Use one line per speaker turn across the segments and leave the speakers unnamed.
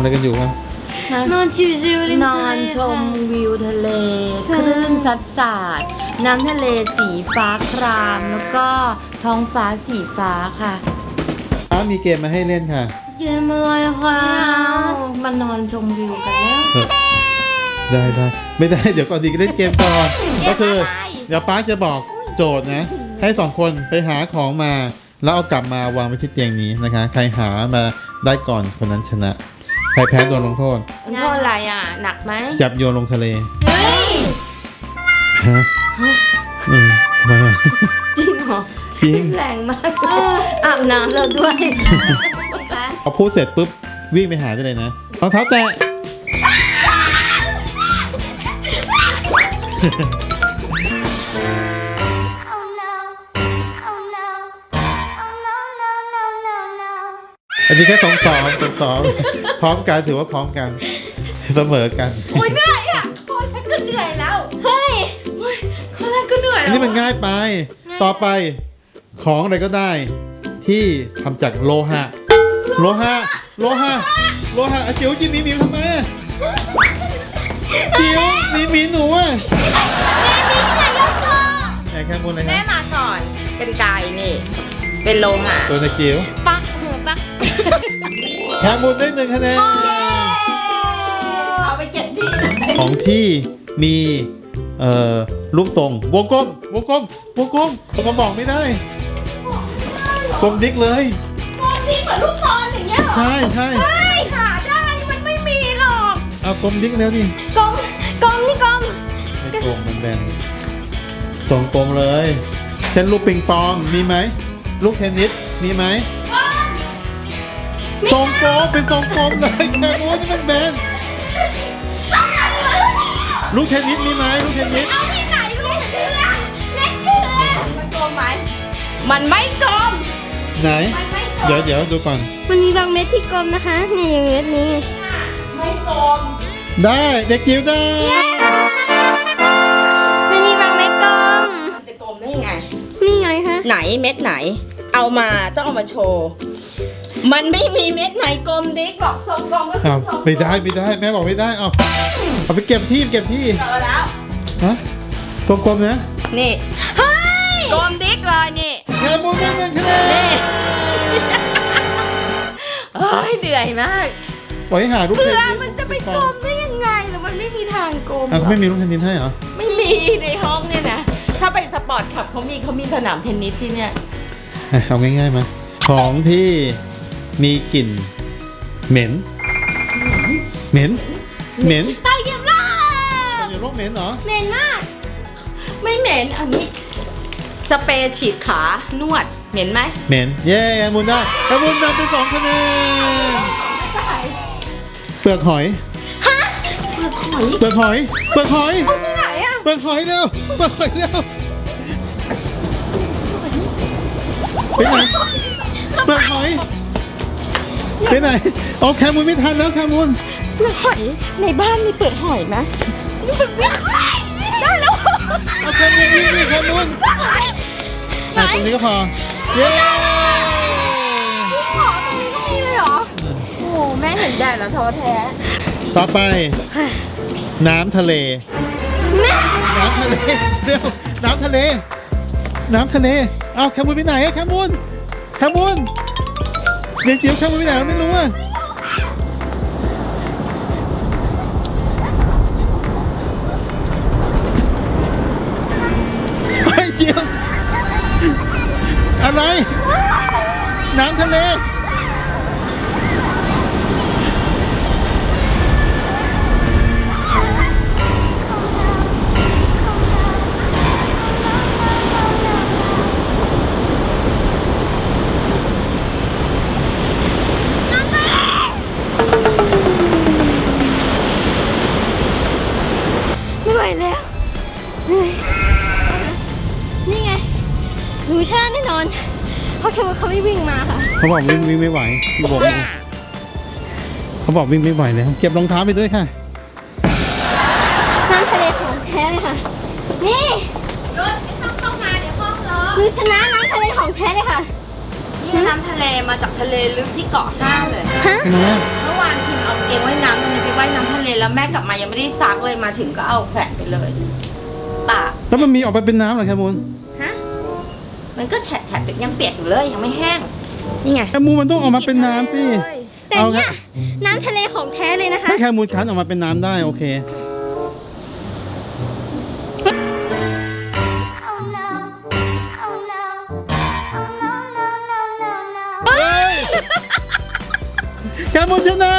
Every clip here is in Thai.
กันอยู่ครับ
นอนชิวๆริม
น
ทะ
อ
เล
นชมวิวทะเล
ใช่
คลื่นซัดสาดน้ำทะเลสีฟ้าคราม แล้วก็ท้องฟ้าสีฟ้าค่ะ
มีเกมมาให้เล่นค่ะ
เกมอะไรคะ
มานอนชมวิวกันแล้ว
ได้ไม่ได้เดี๋ยวก่อนดีก็เล่นเกมก่อนก็คือเดี๋ยวป้าจะบอกโจทย์นะ ให้2คนไปหาของมา แล้วเอากลับมาวางไว้ที่เตียงนี้นะคะ ใครหามาได้ก่อนคนนั้นชนะ ใครแพ้โดนลงโทษ
มันโทษอะไรอ่ะ หนักไหม
จับโยนลงทะเล
เฮ้ย
ฮะทำไมอ่ะ
จริงเหรอ
จริง
แรงมากอาบน้ำแล้วด้วย
พอพูดเสร็จปุ๊บวิ่งไปหาได้เลยนะรองเท้าแตะ อันนี้แค่2-2พร้อมกันถือว่าพร้อมกันเสมอกัน
โอ้ยเหนื่อยอ่ะข้อแรกก็เหนื่อยแล้ว
เฮ้ย
ข้อแรกก็เหนื่อย
อัน
แล้ว
นี้มันง่ายไป ต่อไปของอะไรก็ได้ ที่ทำจากโลหะอ่ะจิ๋วจิ๋วมีทำไมอ่ะจิ๋วมีหนูอ่ะแอบแค่บนเลยค
แม่
รับ
มาก่อนเป็นไก่นี่ เป็นโลหะ
ตัวในจิ๋ว
ปักหูปัก
แค่บนได้1 คะแนน
เอาไปเก็บที่ไหน
ของที่มีลูกทรงวงกลมก็บอกไม่ได้กลมดิ๊กเลย
ที่เหมือนลูกบอลอย่างเงี้ยเหรอ
ใช่
ไม่หาได้มันไม่มีหรอก
เอากลมดิ๊กแล้วดิ
กลมนี่กลม
ไม่กลมมันแบนทรงกลมเลยเช่นลูกปิงปองมีไหมลูกเทนนิสมีไหมทรงกลมเป็นทรงกลมเลยแค่นู้นมันแบนลูกเทนนิสมีไหมลูกเทนนิส
เอาที่ไหนลูกเสือเล็กเสือมันกลมไหมมันไม่กลม
ไหน
มันไม่กลม
เดี๋ยวดูก่อน
มันมีบางเม็ดที่กลมนะคะ นี่อย่างเม็ดนี้
ไม่กลม
ได้เด็กจิ๋วได้
มันมีบางเม็ดกลม
มันจะกลมได้ยังไง
นี่ไงคะ
ไหนเม็ดไหน เอามาต้องเอามาโชว์ มันไม่มีเม็ดไหนกลมดิ๊กหรอกทรงกลมก็คือ
อ้าว
ทรงกลม
ไม่ได้แม่บอกไม่ได้เอาไปเก็บที่
เจอแล้ว
ฮะกลมๆนะ
นี่
เฮ้ย
กลมดิ๊กเลยนี่
แค่บุญได้1 คะแนน
นี่เฮ้ยเหนื่อยมาก
ไว้หาลูกเท
เพื่
น
อ
นิส
มันจะไปกลมได้ยังไงหรือมันไม่มีทางกลมหร
อ่ะ
อก
ไม่มีลูกเทนนิสให้เหรอ
ไม่มีในห้องเนี่ยนะ ถ้าไปสปอร์ตคลับเขามีสนามเทนนิสที่เนี่ย
เอาง่ายๆมาของที่มีกลิ่นเหม็น
เตาเหยียบโลก
อยู่โรคเหม็นเหรอ
เหม็นมาก
ไม่เหม็นอันนี้ สเปรย์ฉีดขานวดเหม็นไหม
เหม็นเย้แอมบุญได้แอมบุญนำไป2 คะแนนเปลือกหอย
เปลือกหอย
เปลือกหอย
ที่ไหนอะ
เปลือกหอยเร็วไปไหนเปลือกหอยไปไหนเอาแคมูลไม่ทันแล้วแคมูล
เปลือกหอยในบ้านมีเปลือกหอยไหมนี่เป็นวิ่งได้แล้ว
เอาแคมูลวิ่งดิแคมูลตรงนี้ก็พอเย้
ขอตรงนี้ก็มีเลยเหรอ โอ้โหแม่เห็นแดดแล้วท้อแท้
ต่อไป น้ำทะเลน้ำทะเลเร็วน้ำทะเลเอาแคมูลไปไหนอะแคมูลเด็กจิ๋วแคมูลไปไหนไม่รู้อะไอ้จิ๋วอะไร น้ำทะเล
ไม่ไหวแล้วเหนื่อยนี่ไงหนูชาแน่นอน เพราะเขาไม่วิ่งมาค่ะ
เขาบอกวิ่งไม่ไหวพี่บอกเขาบอกวิ่งไม่ไหวแล้วเก็บรองเท้าไปด้วยค่ะ
น้ำทะเลของแท้เลยค่ะ นี่
รถไม่ต้องเข้ามาเดี๋ยวห้องรอ
คือชนะน้ำทะเลของแท้เลยค่ะ
นนี่น้ำทะเลมาจากทะเลลึกที่เกาะห้าเลย
ฮะ
ทำไมอะ
เมื่อวานพิมเอาเกงว่ายน้ำมันไปว่ายน้ำทะเลแล้วแม่กลับมายังไม่ได้ซักเลยมาถึงก็เอาแขวนไปเลยปาก
แล้วมันมีออกไปเป็นน้ำเหรอแคมูล
ฮะมันก็แฉะๆยังเปียกอยู่เลยยังไม่แห้งนี่ไง
แคมูลมันต้องออกมาเป็นน้ำสิ
แต่เนี่ยน้ำทะเลของแท้เลยนะคะ
ถ้าแคมูลคั้นออกมาเป็นน้ำได้โอเค แคมูลชนะ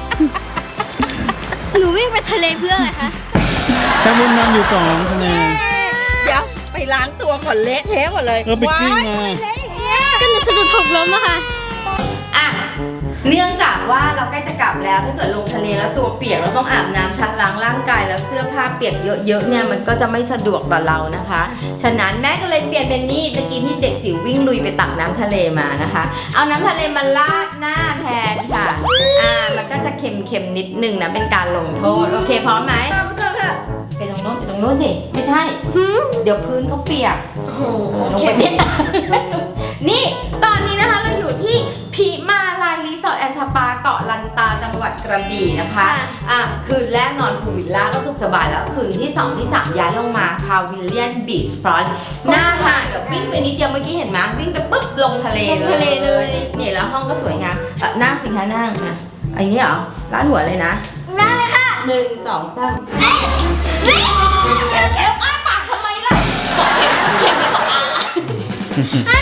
หนูวิ่งไปทะเลเพื่ออะไรคะ
แคมูลนำอยู่2 คะแนน
เดี๋ยวไปล้างตัวก่อนเละเทะหมดเลย
ไปกลิ้งมา
ว้ายเละอย่างเงี้ย
ก็หนูสะดุดหกล้มอะค่ะ
อ่ะเนื่องจากว่าเราใกล้จะกลับแล้วถ้าเกิดลงทะเลแล้วตัวเปียกเราต้องอาบน้ำชักล้างร่างกายแล้วเสื้อผ้าเปียกเยอะๆเนี่ยมันก็จะไม่สะดวกต่อเรานะคะ ฉะนั้นแม่ก็เลยเปลี่ยนเป็นนี่ตะกี้ที่เด็กจิ๋ววิ่งลุยไปตักน้ำทะเลมานะคะ เอาน้ำทะเลมาลาดหน้าแทนค่ะมันก็จะเค็มๆนิดนึงนะเป็นการลงโทษโอเคพร้อมไหมไปตรงโน้นไปตรงโน้นสิไม่ใช่เดี๋ยวพื้นเขาเปียก ลงไปเนี่ย นี่ตอนนี้นะคะเราอยู่ที่พิมาลายรีสอร์ทแอนด์สปาเกาะลันตาจังหวัดกระบี่นะคะคืนแรกนอนพูลวิลล่าก็สุขสบายแล้วคืนที่2ที่3ย้ายลงมาพาวิลเลียนบีชฟรอนต์หน้าหาดแบบวิ่งไปนิดเดียวเมื่อกี้เห็นไหมวิ่งไปปุ๊บลงทะเลเลยนี่แล้วห้องก็สวยงามนั่งสิคะนั่งนะอันนี้เหรอร้านหัวเลยนะนั่งเลยค่ะ1 2 3แล้วอ้าปากทำไมล่ะบอกเข็มไม่บอกอ้า